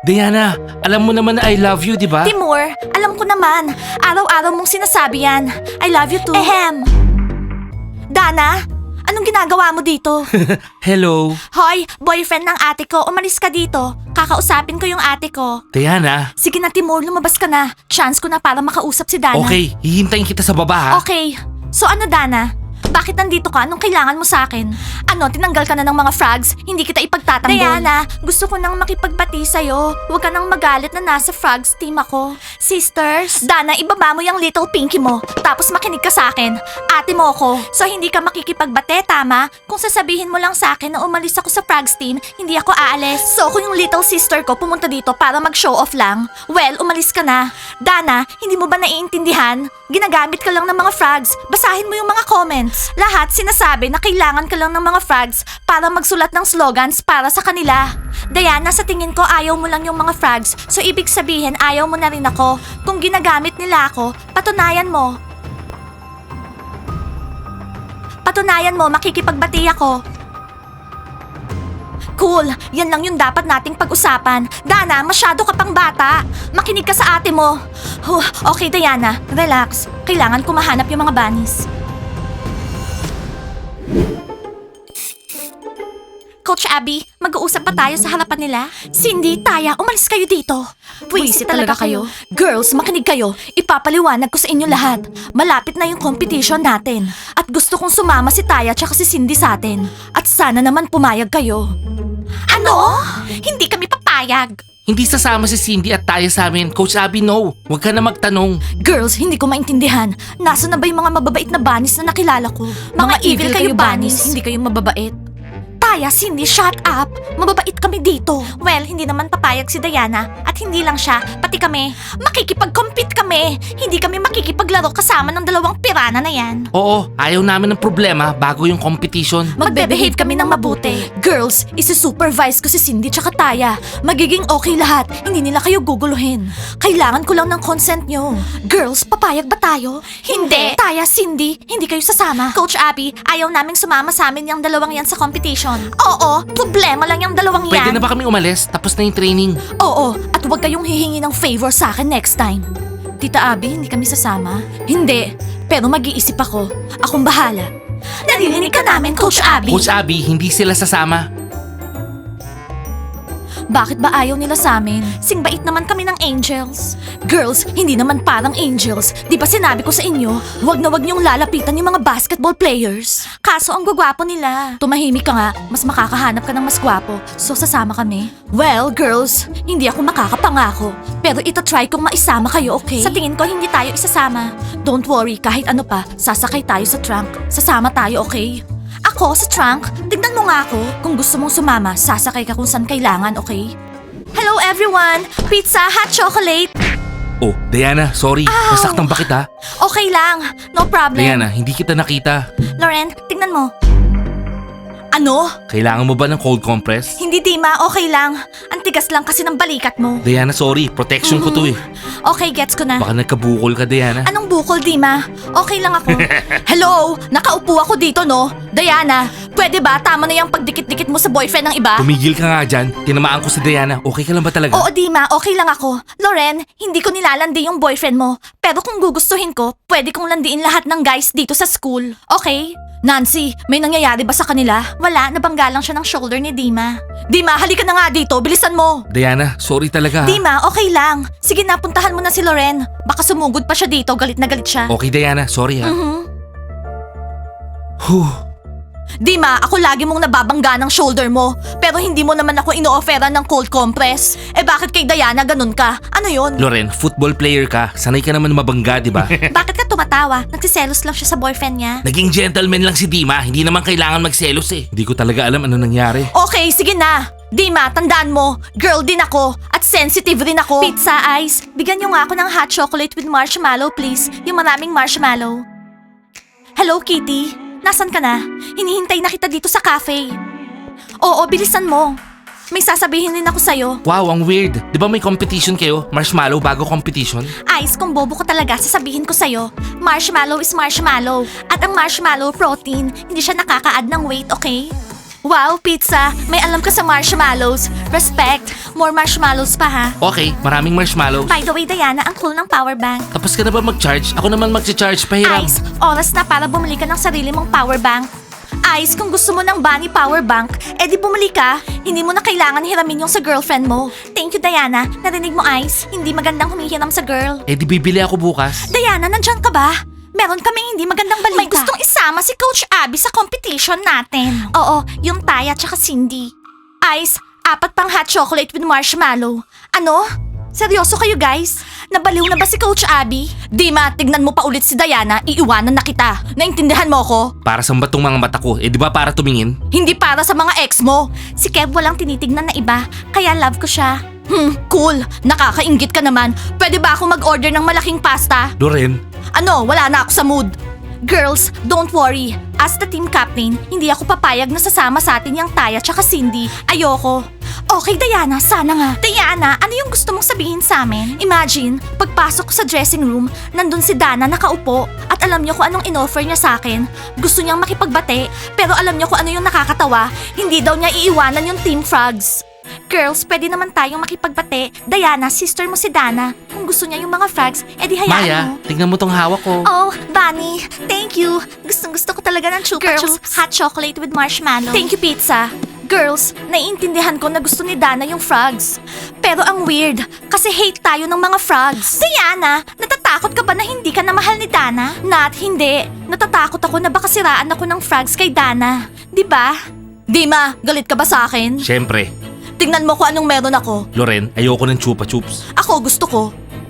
Diana, alam mo naman na I love you, di ba? Timur, alam ko naman. Araw-araw mong sinasabi yan. I love you too. Ehem. Dana, anong ginagawa mo dito? Hello. Hoy, boyfriend ng ate ko, umalis ka dito. Kakausapin ko yung ate ko. Diana, Sige na Timur, lumabas ka na. Chance ko na para makausap si Dana. okay, hihintayin kita sa baba ha. Okay. So ano Dana? Bakit nandito ka? Anong kailangan mo sa akin? Ano, tinanggal ka na ng mga frogs? Hindi kita ipagtatanggol. Diana, gusto ko nang makipagbati sa'yo. Huwag ka nang magalit na nasa frogs team ako. Sisters? Dana, ibaba mo yung little pinky mo. Tapos makinig ka sa akin. Ate mo ako. So hindi ka makikipagbate, tama? Kung sasabihin mo lang sa akin na umalis ako sa frogs team, hindi ako aalis. So kung yung little sister ko pumunta dito para mag-show off lang, well, umalis ka na. Dana, hindi mo ba naiintindihan? Ginagamit ka lang ng mga frogs. Basahin mo yung mga comments. Lahat sinasabi na kailangan ka lang ng mga frogs para magsulat ng slogans para sa kanila. Diana, sa tingin ko ayaw mo lang yung mga frogs. So ibig sabihin ayaw mo na rin ako. Kung ginagamit nila ako, patunayan mo. Patunayan mo, makikipagbati ako. Cool, yan lang yung dapat nating pag-usapan. Dana, masyado ka pang bata. Makinig ka sa ate mo. Okay, Diana, relax. Kailangan ko mahanap yung mga bunnies. Coach Abby, mag-uusap pa tayo sa harapan nila? Cindy, Taya, umalis kayo dito. Pwisit talaga kayo. Girls, makinig kayo. Ipapaliwanag ko sa inyo lahat. Malapit na yung competition natin. At gusto kong sumama si Taya tsaka si Cindy sa atin. At sana naman pumayag kayo. Ano? Hindi kami papayag. Hindi sasama si Cindy at Taya sa amin. Coach Abby, no. Huwag ka na magtanong. Girls, hindi ko maintindihan. Nasa na ba yung mga mababait na bunnies na nakilala ko? Mga evil kayo bunnies. Hindi kayo mababait. Taya, Cindy, shut up! Mababait kami dito. Well, hindi naman papayag si Diana. At hindi lang siya, pati kami. Makikipag-compete kami. Hindi kami makikipaglaro kasama ng dalawang pirana na yan. Oo, ayaw namin ng problema bago yung competition. Magbe-behave kami ng mabuti. Girls, isi-supervise ko si Cindy tsaka Taya. Magiging okay lahat. Hindi nila kayo guguluhin. Kailangan ko lang ng consent nyo. Girls, papayag ba tayo? Hindi. Taya, Cindy, hindi kayo sasama. Coach Abby, ayaw naming sumama sa amin yung dalawang yan sa competition. Oo, problema lang yung dalawang yan. Pwede na ba kami umalis? Tapos na yung training. Oo, at huwag kayong hihingi ng favor sa akin next time. Tita Abby, hindi kami sasama? Hindi, pero mag-iisip ako. Akong bahala. Narinig ka namin, Coach Abby. Coach Abby, hindi sila sasama. Bakit ba ayaw nila sa amin? Singbait naman kami ng angels. Girls, hindi naman parang angels. Di ba sinabi ko sa inyo, wag na wag niyong lalapitan yung mga basketball players. Kaso ang gwapo nila. Tumahimik ka nga, mas makakahanap ka ng mas gwapo. So sasama kami? Well, girls, hindi ako makakapangako. Pero itatry kong maisama kayo, okay? Sa tingin ko, hindi tayo isasama. Don't worry, kahit ano pa, sasakay tayo sa trunk. Sasama tayo, okay? Ako sa trunk? Tignan mo nga ako. Kung gusto mong sumama, sasakay ka kung saan kailangan, okay? Hello everyone! Pizza, hot chocolate! Oh, Diana, sorry. Ow! Nasaktan ba kita? Okay lang, no problem. Diana, hindi kita nakita. Loren, tignan mo. Ano? Kailangan mo ba ng cold compress? Hindi Dima, okay lang. Ang tigas lang kasi ng balikat mo. Diana, sorry. Protection ko to eh. Okay, gets ko na. Baka nagkabukol ka, Diana. Anong bukol, Dima? Okay lang ako. Hello? Nakaupo ako dito, no? Diana, pwede ba tama na yung pagdikit-dikit mo sa boyfriend ng iba? Tumigil ka nga dyan. Tinamaan ko si Diana. Okay ka lang ba talaga? Oo, Dima, okay lang ako. Loren, hindi ko nilalandi yung boyfriend mo. Pero kung gugustuhin ko, pwede kong landiin lahat ng guys dito sa school. Okay? Nancy, may nangyayari ba sa kanila? Wala, nabangga lang siya ng shoulder ni Dima. Dima, halika na nga dito, bilisan mo. Diana, sorry talaga ha. Dima, okay lang. Sige na, puntahan mo na si Loren. Baka sumugod pa siya dito, galit na galit siya. Okay, Diana. Sorry ha. Mhm. Huh. Dima, ako lagi mong nababangga ng shoulder mo. Pero hindi mo naman ako ino-offeran ng cold compress. Eh bakit kay Diana ganun ka? Ano yon? Loren, football player ka. Sanay ka naman mabangga, di ba? Bakit ka tumatawa? Nagsiselos lang siya sa boyfriend niya. Naging gentleman lang si Dima. Hindi naman kailangan magselos eh. Hindi ko talaga alam ano nangyari. Okay, sige na. Dima, tandaan mo, girl din ako at sensitive rin ako. Pizza Ice, bigyan niyo nga ako ng hot chocolate with marshmallow please. Yung maraming marshmallow. Hello, Kitty. Nasaan ka na? Hinihintay na kita dito sa cafe. Oo, bilisan mo. May sasabihin din ako sa'yo. Wow, ang weird. Di ba may competition kayo? Marshmallow bago competition? Ice, kung bobo ko talaga, sasabihin ko sa'yo. Marshmallow is marshmallow. At ang marshmallow protein, hindi siya nakaka-add ng weight, okay? Wow, pizza! May alam ka sa marshmallows. Respect. More marshmallows pa ha. Okay, maraming marshmallows. By the way, Diana, ang cool ng power bank. Tapos ka na ba mag-charge? Ako naman mag-charge, pahiram. Ice, oras na para bumili ka ng sarili mong power bank. Ice, kung gusto mo ng bunny power bank, edi bumili ka. Hindi mo na kailangan hiramin yung sa girlfriend mo. Thank you, Diana. Narinig mo, Ice? Hindi magandang humihiram sa girl. Eh di bibili ako bukas. Diana, nandyan ka ba? Meron kaming hindi magandang balita. May gustong isama si Coach Abby sa competition natin. Oo, yung Taya tsaka Cindy. Ice, 4 pang hot chocolate with marshmallow. Ano? Seryoso kayo guys? Nabaliw na ba si Coach Abby? Dima, tignan mo pa ulit si Diana, iiwanan na kita. Naintindihan mo ko? Para sa batong mga mata ko. Eh di ba para tumingin? Hindi para sa mga ex mo. Si Kev walang tinitignan na iba, kaya love ko siya. Cool. Nakakainggit ka naman. Pwede ba ako mag-order ng malaking pasta? Loren, Ano, wala na ako sa mood. Girls, don't worry. As the team captain, hindi ako papayag na sasama sa atin yung Taya tsaka Cindy. Ayoko. Okay, Diana, sana nga. Diana, ano yung gusto mong sabihin sa amin? Imagine, pagpasok ko sa dressing room, nandun si Dana nakaupo. At alam niyo kung anong inoffer niya sa akin. Gusto niyang makipagbate, pero alam niyo kung ano yung nakakatawa. Hindi daw niya iiwanan yung Team Frogs. Girls, pwede naman tayong makipagbate. Diana, sister mo si Dana. Kung gusto niya yung mga frogs, edi hayaan Maya, mo. tingnan mo tong hawak ko. Oh, Bunny, thank you. Gustong-gusto ko talaga ng Chupa Girls, Chups. Hot chocolate with marshmallow. Thank you, pizza. Girls, naiintindihan ko na gusto ni Dana yung frogs. Pero ang weird, kasi hate tayo ng mga frogs. Diana, natatakot ka ba na hindi ka na mahal ni Dana? Nat, hindi. Natatakot ako na baka siraan ako ng frogs kay Dana. Di ba? Dima, galit ka ba sa akin? Siyempre. Tingnan mo kung anong meron ako. Loren, ayoko ng chupa chups. Ako, gusto ko.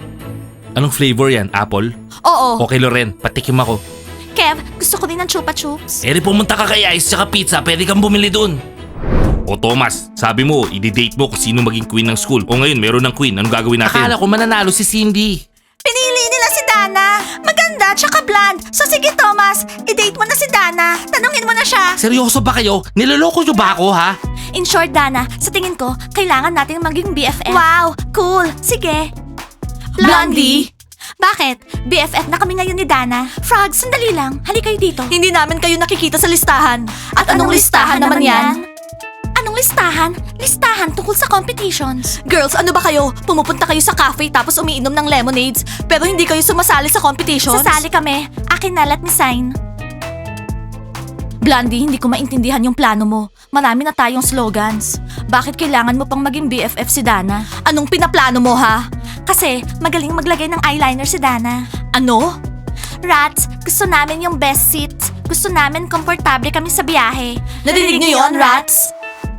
Anong flavor yan? Apple? Oo. Okay Loren, patikim ako. Kev, gusto ko din ng Chupa Chups. Eh di pumunta ka kay Ice tsaka pizza, pwede kang bumili dun. O Thomas, sabi mo, i-date mo kung sino maging queen ng school. O ngayon, meron ng queen, anong gagawin natin? Akala ko mananalo si Cindy. Pinili nila si Dana. Maganda, tsaka blonde. So sige Thomas, i-date mo na si Dana. Tanungin mo na siya. Seryoso ba kayo? Niloloko nyo ba ako ha? In short, Dana, sa tingin ko, kailangan natin maging BFF. Wow, cool. Sige. Blondie? Bakit? BFF na kami ngayon ni Dana. Frogs, sandali lang. Halika kayo dito. Hindi namin kayo nakikita sa listahan. At anong listahan naman yan? Anong listahan? Listahan tungkol sa competitions. Girls, ano ba kayo? Pumupunta kayo sa cafe tapos umiinom ng lemonades pero hindi kayo sumasali sa competitions? Sasali kami. Akin na, let me sign. Blondie, hindi ko maintindihan yung plano mo. Marami na tayong slogans. Bakit kailangan mo pang maging BFF si Dana? Anong pinaplano mo ha? Kasi magaling maglagay ng eyeliner si Dana. Ano? Rats, gusto namin yung best seats. Gusto namin komportable kami sa biyahe. Narinig niyo yun, Rats?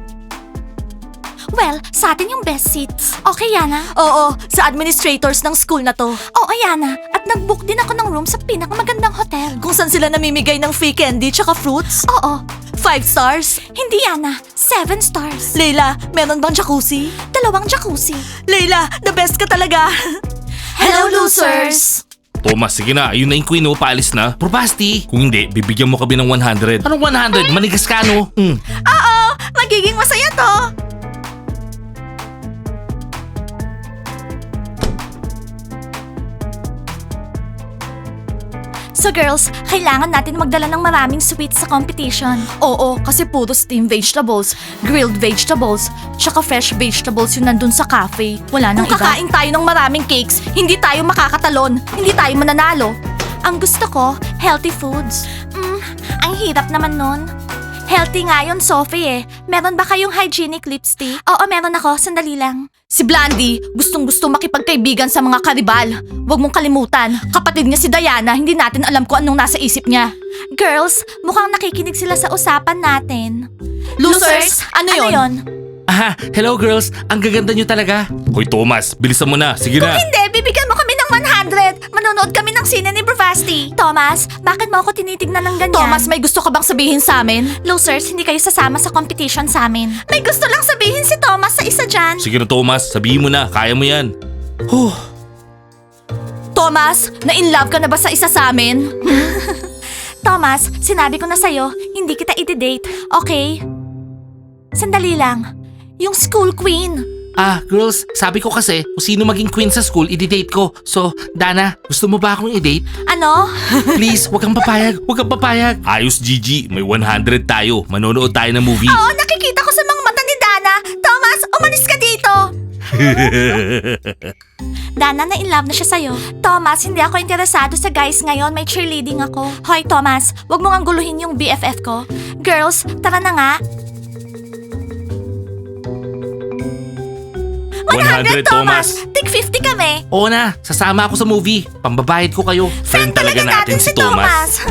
Well, sa atin yung best seats. Okay, Yana? Oo, sa administrators ng school na to. Oo, Yana. At nag-book din ako ng room sa pinakamagandang hotel. Kung saan sila namimigay ng free candy tsaka fruits? Oo. 5 stars? Hindi, Yana. 7 stars. Leila, meron bang jacuzzi? 2 jacuzzi. Leila, the best ka talaga. Hello, losers! Thomas, sige na, ayun na yung queen oh, paalis na. Probasti. Kung hindi, bibigyan mo kami ng 100. Anong 100? Manigas ka no? Oo, magiging masaya to. So girls, kailangan natin magdala ng maraming sweets sa competition. Oo, kasi puro steamed vegetables, grilled vegetables, tsaka fresh vegetables yung nandun sa cafe. Wala nang iba. Kung kakain tayo ng maraming cakes, hindi tayo makakatalon, hindi tayo mananalo. Ang gusto ko, healthy foods. Ang hirap naman nun. Healthy nga yun, Sophie eh. Meron ba kayong hygienic lipstick? Oo, meron ako. Sandali lang. Si Blandy, gustong-gusto makipagkaibigan sa mga karibal. Huwag mong kalimutan, kapatid niya si Diana, hindi natin alam kung anong nasa isip niya. Girls, mukhang nakikinig sila sa usapan natin. Losers, ano yun? Aha, hello girls, ang gaganda nyo talaga. Hoy Thomas, bilisan mo na, sige na. Hindi, bibigyan mo kami ng 100. Manonood kami ng sine ni Bravasti. Thomas, bakit mo ako tinitignan ng ganyan? Thomas, may gusto ka bang sabihin sa amin? Losers, hindi kayo sasama sa competition sa amin. May gusto lang sabihin si Thomas sa isa dyan. Sige na Thomas, sabihin mo na, kaya mo yan. Thomas, na-in-love ka na ba sa isa sa amin? Thomas, sinabi ko na sa'yo, hindi kita i-date, okay? Sandali lang. Yung school queen. Girls, sabi ko kasi kung sino maging queen sa school, i-date ko. So, Dana, gusto mo ba akong i-date? Ano? Please, wag kang papayag. Wag kang papayag. Ayos, Gigi. May 100 tayo. Manonood tayo ng movie. Oo, nakikita ko sa mga mata ni Dana. Thomas, umalis ka dito. Dana, na-in-love na siya sa'yo. Thomas, hindi ako interesado sa guys ngayon. May cheerleading ako. Hoy, Thomas, wag mo ngang guluhin yung BFF ko. Girls, tara na nga. 100, Thomas! Tig 50 kami. Oo na, sasama ako sa movie. Pambabayad ko kayo. Friend talaga natin si Thomas.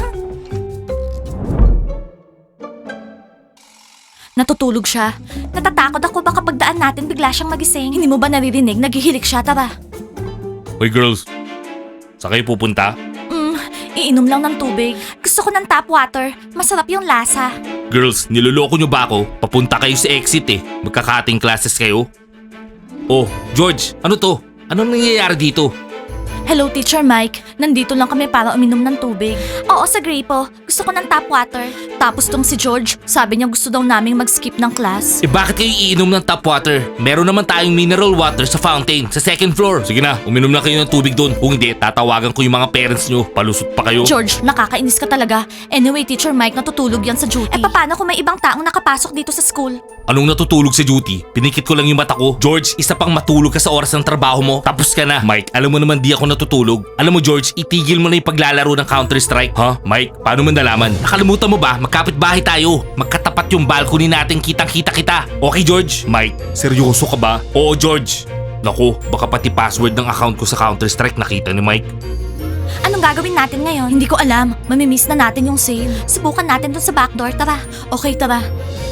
Natutulog siya. Natatakot ako baka pagdaan natin bigla siyang magising. Hindi mo ba naririnig? Naghihilik siya, tara. Hoy girls, saan kayo pupunta? Iinom lang ng tubig. Gusto ko ng tap water. Masarap yung lasa. Girls, niloloko nyo ba ako? Papunta kayo sa exit eh. Magkakating classes kayo. Oh, George, ano to? Anong nangyayari dito? Hello, Teacher Mike. Nandito lang kami para uminom ng tubig. Oo, sa Grapo. Gusto ko ng tap water. Tapos tong si George, sabi niya gusto daw naming mag-skip ng class. Eh bakit kayo iinom ng tap water? Meron naman tayong mineral water sa fountain, sa second floor. Sige na, uminom na kayo ng tubig doon. Kung hindi, tatawagan ko yung mga parents nyo. Palusot pa kayo. George, nakakainis ka talaga. Anyway, Teacher Mike, natutulog yan sa duty. Eh paano kung may ibang taong nakapasok dito sa school? Anong natutulog sa duty? Pinikit ko lang yung mata ko. George, isa pang matulog ka sa oras ng trabaho mo. Tapos ka na. Mike, alam mo naman di ako natutulog. Alam mo George, itigil mo na yung paglalaro ng Counter-Strike. Mike, paano mo nalaman? Nakalimutan mo ba? Magkapit-bahay tayo. Magkatapat yung balcony natin, kitang-kita kita. Okay George? Mike, seryoso ka ba? Oo George. Naku, baka pati password ng account ko sa Counter-Strike nakita ni Mike. Anong gagawin natin ngayon? Hindi ko alam. Mamimiss na natin yung sale. Subukan natin dun sa backdoor. Tara. Okay, tara.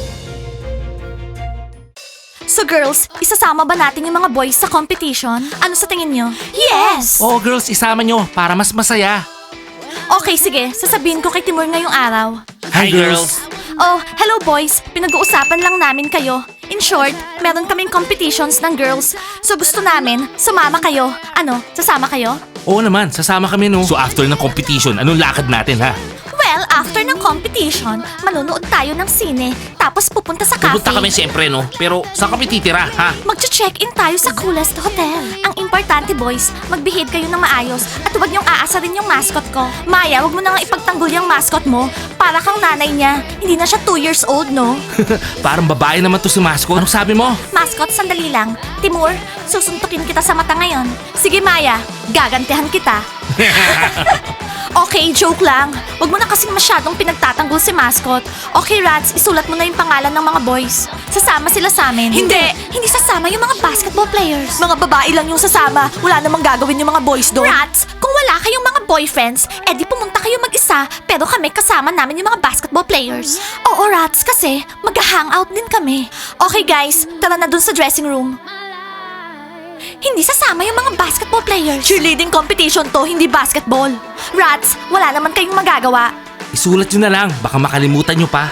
So girls, isasama ba natin yung mga boys sa competition? Ano sa tingin nyo? Yes! Oo girls, isama nyo para mas masaya. Okay, sige. Sasabihin ko kay Timur ngayong araw. Hi girls! Oh, hello boys. Pinag-uusapan lang namin kayo. In short, meron kaming competitions ng girls. So gusto namin, sumama kayo. Ano, sasama kayo? Oo naman, sasama kami no. So after ng competition, anong lakad natin ha? Well, after ng competition, manonood tayo ng sine. Tapos pupunta sa cafe. Pupunta kami siyempre no, pero saan kami titira ha? Magche-check-in tayo sa coolest hotel. Ang importante boys, mag-behave kayo ng maayos at huwag niyong aasarin yung mascot ko. Maya, huwag mo na nga ipagtanggol yung mascot mo. Para kang nanay niya. Hindi na siya 2 years old, no? Parang babae naman to si Mascot. Anong sabi mo? Mascot, sandali lang. Timur, susuntukin kita sa mata ngayon. Sige Maya, gagantihan kita. Okay, joke lang. Huwag mo na kasing masyadong pinagtatanggol si Mascot. Okay, Rats, isulat mo na yung pangalan ng mga boys. Sasama sila sa amin. Hindi! Hindi sasama yung mga basketball players. Mga babae lang yung sasama. Wala namang gagawin yung mga boys doon. Rats, kung wala kayong mga boyfriends, edi pumunta kayo mag-isa, pero kami kasama namin yung mga basketball players. Oo, Rats, kasi mag-hangout din kami. Okay guys, tara na dun sa dressing room. Hindi sasama yung mga basketball players. Cheerleading competition to, hindi basketball. Rats, wala naman kayong magagawa. Isulat nyo na lang, baka makalimutan nyo pa.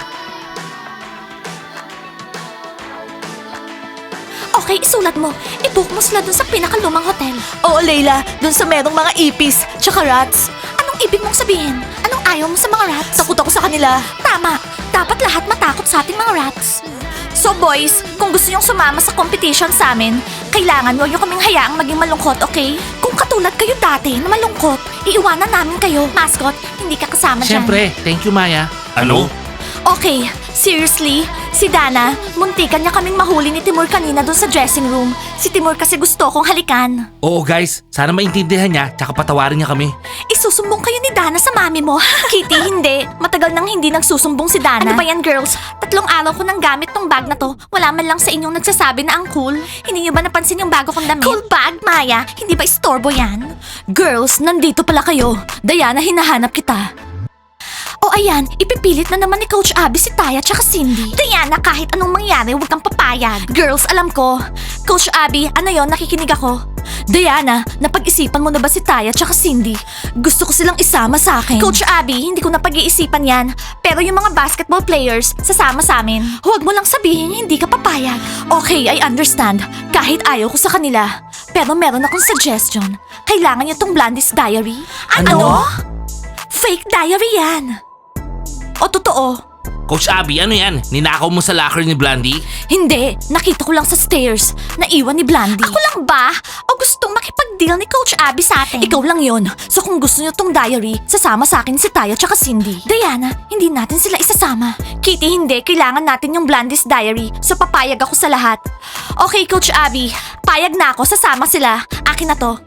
Okay, isulat mo. I-book mo sila dun sa pinakalumang hotel. Oo, Layla. Dun sa merong mga ipis, tsaka rats. Anong ibig mong sabihin? Anong ayaw mo sa mga rats? Takot ako sa kanila. Tama. Dapat lahat matakot sa ating mga rats. So boys, kung gusto nyong sumama sa competition sa amin, kailangan huwag nyo kaming hayaang maging malungkot, okay? Kung katulad kayo dati na malungkot, iiwanan namin kayo. Mascot, hindi ka kasama dyan. Siyempre, thank you Maya. Ano? Okay, seriously? Si Dana, muntikan niya kaming mahuli ni Timur kanina doon sa dressing room. Si Timur kasi gusto kong halikan. Oo guys, sana maintindihan niya, tsaka patawarin niya kami. Isusumbong kayo ni Dana sa mami mo. Kitty, hindi. Matagal nang hindi nagsusumbong si Dana. Ano ba yan, girls? 3 araw ko nang gamit tong bag na to. Wala man lang sa inyong nagsasabi na ang cool. Hindi niyo ba napansin yung bago kong damit? Cool bag, Maya. Hindi ba istorbo yan? Girls, nandito pala kayo. Diana, hinahanap kita. O ayan, ipipilit na naman ni Coach Abby si Taya tsaka Cindy. Diana, kahit anong mangyari, huwag kang papayag. Girls, alam ko. Coach Abby, ano yon? Nakikinig ako. Diana, napag-isipan mo na ba si Taya tsaka Cindy? Gusto ko silang isama sa akin. Coach Abby, hindi ko napag-iisipan yan. Pero yung mga basketball players, sasama sa amin. Huwag mo lang sabihin hindi ka papayag. Okay, I understand. Kahit ayaw ko sa kanila. Pero meron akong suggestion. Kailangan niyo tong Blandy's Diary. Ano? Fake diary yan. O totoo? Coach Abby, ano yan? Ninakaw mo sa locker ni Blandy? Hindi, nakita ko lang sa stairs. Naiwan ni Blandy. Ako lang ba? O gustong makipag-deal ni Coach Abby sa atin? Ikaw lang yon. So kung gusto niyo tong diary, sasama sa akin si Taya tsaka Cindy. Diana, hindi natin sila isasama. Kitty, hindi. Kailangan natin yung Blandy's diary. So papayag ako sa lahat. Okay, Coach Abby. Payag na ako. Sasama sila. Akin na to.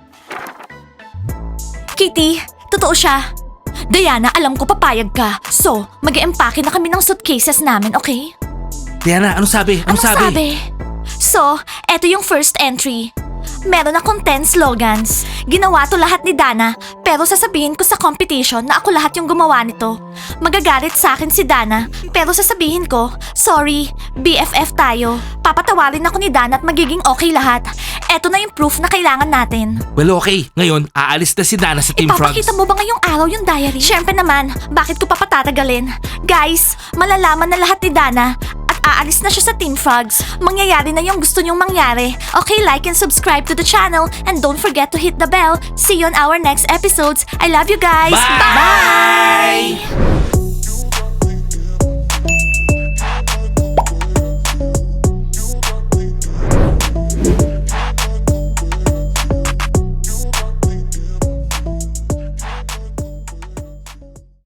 Kitty, totoo siya. Diana, alam ko papayag ka. So, mag-e-empake na kami ng suitcases namin, okay? Diana, ano sabi? Ano sabi? So, eto yung first entry. Meron akong 10 slogans. Ginawa to lahat ni Dana, pero sasabihin ko sa competition na ako lahat yung gumawa nito. Magagalit sa akin si Dana, pero sasabihin ko, sorry, BFF tayo. Papatawarin ako ni Dana at magiging okay lahat. Eto na yung proof na kailangan natin. Well, okay. Ngayon, aalis na si Dana sa Team Frogs. Ipapakita mo ba ngayong araw yung diary? Siyempre naman, bakit ko pa patatagalin? Guys, malalaman na lahat ni Dana at aalis na siya sa Team Frogs. Mangyayari na yung gusto niyong mangyari. Okay, like and subscribe to the channel and don't forget to hit the bell. See you on our next episodes. I love you guys. Bye! Bye!